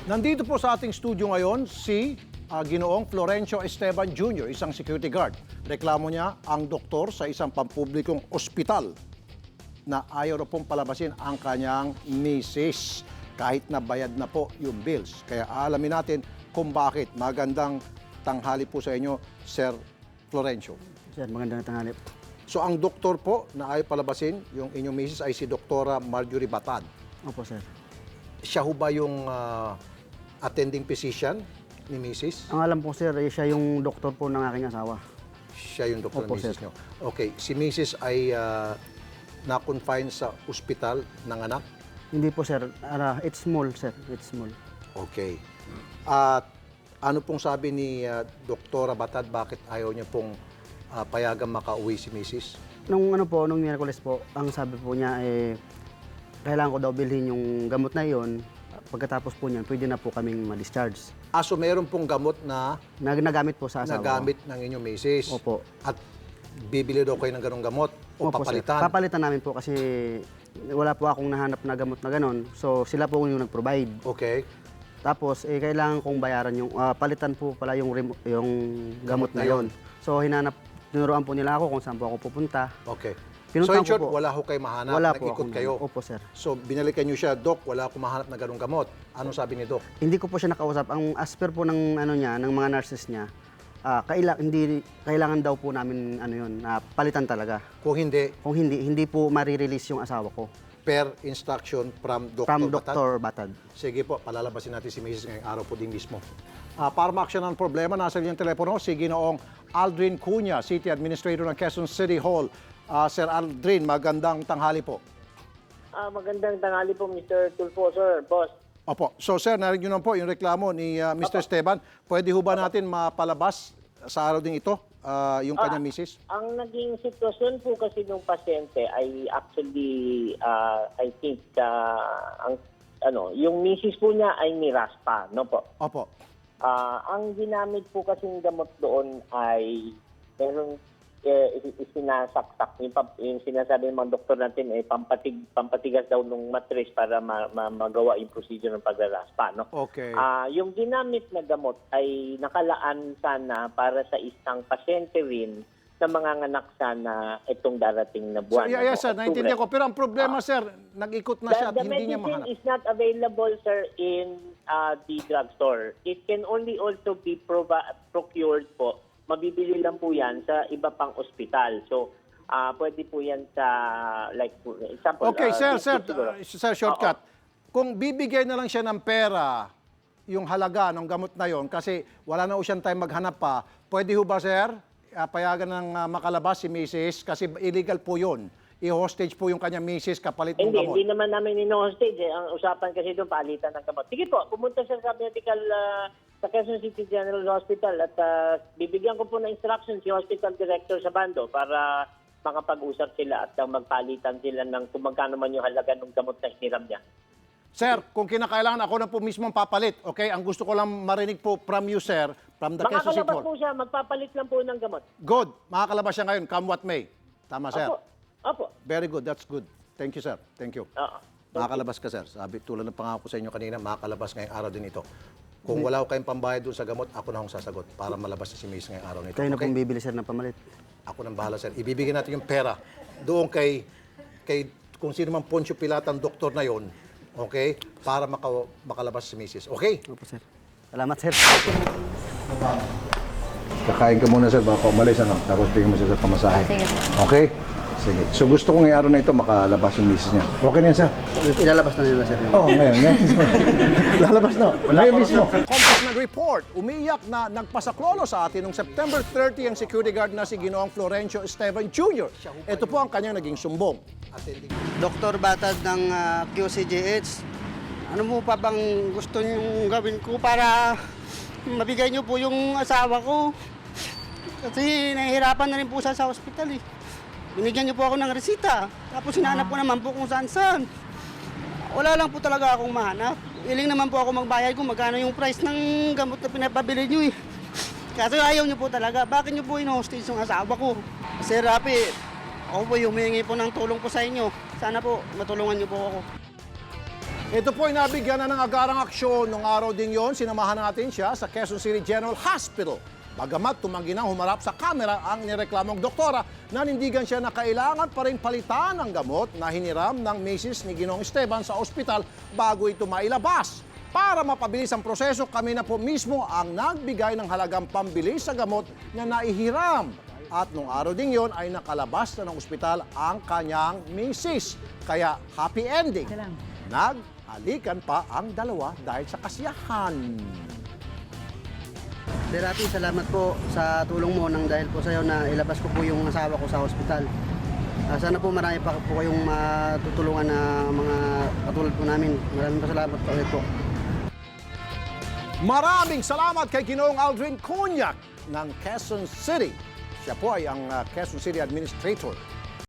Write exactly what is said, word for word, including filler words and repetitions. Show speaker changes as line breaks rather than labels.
Nandito po sa ating studio ngayon si ah, Ginoong Florencio Esteban Junior, isang security guard. Reklamo niya ang doktor sa isang pampublikong ospital na ayaw na pong palabasin ang kanyang misis kahit na bayad na po yung bills. Kaya aalamin natin kung bakit. Magandang tanghali po sa inyo, Sir Florencio.
Sir, magandang tanghali.
So ang doktor po na ayaw palabasin yung inyong misis ay si Doktora Marjorie Batad.
Opo, sir.
Siya ho ba yung ah, attending physician ni misis?
Ang alam po, sir, ay siya yung doktor po ng aking asawa.
Siya yung doktor
Opo,
ng misis
sir.
niyo. Okay, si misis ay ah, na-confine sa ospital ng anak?
Hindi po, sir. Uh, it's small, sir. It's small.
Okay. At ano pong sabi ni ah, Doktora Batad, bakit ayaw niya pong ah, payagan makauwi si misis?
Nung ano po, nung Miyerkules po, ang sabi po niya, eh, kailangan ko daw bilhin yung gamot na yon. Pagkatapos po niyan, pwede na po kaming ma-discharge.
Ah, so mayroon pong gamot na
Nag nagamit po sa asawa.
nagamit ng inyong misis?
Opo.
At bibili daw kayo ng ganong gamot o
Opo,
papalitan?
sir. Papalitan namin po kasi wala po akong nahanap na gamot na ganon. So, sila po yung nag-provide.
Okay.
Tapos, eh, kailangan kong bayaran yung, ah, palitan po pala yung, remo- yung gamot,
Gamot na
na yon. So, hinanap, tinuruan po nila ako kung saan po ako pupunta.
Okay.
Pinuntahan
So in short,
ko po.
wala ho kayo mahanap,
Wala po
nag-ikot
akong-
kayo.
Opo, sir.
So binalikan niyo siya, Dok, wala akong mahanap na ganong gamot. Anong sabi ni Dok?
Hindi ko po siya nakausap. Ang as per po ng ano niya, ng mga nurses niya, ah kaila, hindi kailangan daw po namin ano yun, ah, palitan talaga.
Kung hindi,
Kung hindi, hindi po ma-release yung asawa ko.
per instruction from Doctor
From
Batad?
Doctor Batad.
Sige po, palalabasin natin si Missus ngayong araw po din mismo. Ah, para ma-action ang problema, nasa yung telepono si Ginoong Aldrin Cunha, City Administrator ng Quezon City Hall. Ah, Sir Aldrin, magandang tanghali po.
Ah, magandang tanghali po, Mister Tulfo, sir, boss.
Opo. So sir, narinig nyo na po yung reklamo ni ah, Mister Esteban. Pwede ho ba natin mapalabas sa araw din ito ah, yung kanyang misis?
Ang naging sitwasyon po kasi ng pasyente ay actually, ah, I think, ah, ang, ano, yung misis po niya ay niraspa, no po?
Opo.
Ah, ang ginamit po kasing gamot doon ay meron eh, sinasaksak. Yung, pam- yung sinasabi ng mga doktor natin ay pampatig, pampatigas daw ng matris para ma- ma- magawa yung procedure ng pagraraspa. No?
Okay.
Ah, yung ginamit na gamot ay nakalaan sana para sa isang pasyente rin na manganganak sana itong darating na
So,
buwan.
yeah, yeah,
no?
sir,
Oktubre.
naintindihan ko. Pero ang problema, sir, nag-ikot na siya at
The, the
hindi niya
medicine
mahanap.
is not available, sir, in uh, the drugstore. It can only also be prova- procured po. Mabibili lang po yan sa iba pang ospital. So, ah pwede po yan sa, like, for example...
Okay,
ah,
sir,
dito
sir,
siguro.
uh, sir, shortcut. Kung bibigay na lang siya ng pera, yung halaga ng gamot na yon, kasi wala na ho siyang time maghanap pa, pwede ho ba, sir, uh, payagan ng uh, makalabas si missus Kasi illegal po yun. I-hostage po yung kanyang missus kapalit ng
Hindi,
gamot.
hindi naman namin in-hostage. Eh. Ang usapan kasi doon, paalitan ng gamot. Sige po, pumunta siya sa medical ah, sa Quezon City General Hospital at ah, bibigyan ko po ng instructions si Hospital Director sa bando para makapag-usap sila at ah, magpalitan sila ng kung magkano man yung halaga ng gamot na hiniram niya.
Sir, kung kinakailangan ako na po mismo papalit, okay? Ang gusto ko lang marinig po from you, sir, from the Quezon City
Makakalabas
Hall.
po siya, magpapalit lang po ng gamot.
Good. Makakalabas siya ngayon, come what may. Tama, sir?
Opo. Opo.
Very good. That's good. Thank you, sir. Thank you.
Oo.
Makakalabas ka, sir. Sabi, tulad ng pangako ko sa inyo kanina, makakalabas ngayong araw din ito. Kung wala ko kayong pambayad doon sa gamot, ako na akong sasagot para malabas na si Mace ngayong araw nito.
Kayo na
Okay?
pong bibili, sir, ng pamalit.
Ako nang bahala, sir. Ibibigay natin yung pera doon kay, kay kung sino man Poncio Pilata ang doktor na yon, okay? Para maka, makalabas si Missus Okay?
Opo, sir. Salamat, sir.
Kakain ka muna, sir, baka umalis, ano? Tapos bigyan mo siya sa pamasahe.
Sige.
Okay? Sige. So gusto ko ngayong araw na ito makalabas yung Missus niya. Okay na yan, sir?
Ilalabas na nila, sir.
Oo, oh, ngayon. ngayon. Lalabas na. Ngayon mismo. Compass nag-report, umiiyak na nagpasaklolo sa atin noong September thirtieth ang security guard na si Ginoong Florencio Esteban Junior Ito po ang kanyang naging sumbong.
Doktor Batad ng ah, Q C G H, ano mo pa bang gusto niyong gawin ko para mabigay niyo po yung asawa ko? Kasi nahihirapan na rin po siya sa ospital eh. Binigyan niyo po ako ng resita, tapos hinanap ko naman po kung saan-saan. Wala lang po talaga akong mahanap. Willing naman po ako magbayad kung magkano yung price ng gamot na pinapabili niyo eh. Kasi ayaw niyo po talaga. Bakit niyo po in-hostage yung asawa ko? Sir Rapi, ako po humihingi po ng tulong po sa inyo. Sana po matulungan niyo po ako.
Ito po ay nabigyan na ng agarang aksyon. Nung araw din yon, sinamahan natin siya sa Quezon City General Hospital. Bagamat tumanggi nang humarap sa kamera ang nireklamong doktora, nanindigan siya na kailangan pa rin palitan ang gamot na hiniram ng misis ni Ginoong Esteban sa ospital bago ito mailabas. Para mapabilis ang proseso, kami na po mismo ang nagbigay ng halagang pambili sa gamot na naihiram. At nung araw din yon ay nakalabas na ng ospital ang kanyang misis. Kaya happy ending. Naghalikan pa ang dalawa dahil sa kasiyahan.
Sir Rafi, salamat po sa tulong mo nang dahil po sa iyo na ilabas ko po yung asawa ko sa ospital. Ah, sana po marami pa po kayong matutulungan na mga katulad po namin. Maraming salamat po ulit po.
Maraming salamat kay Ginoong Aldrin Cunyac ng Quezon City. Siya po ay ang uh, Quezon City Administrator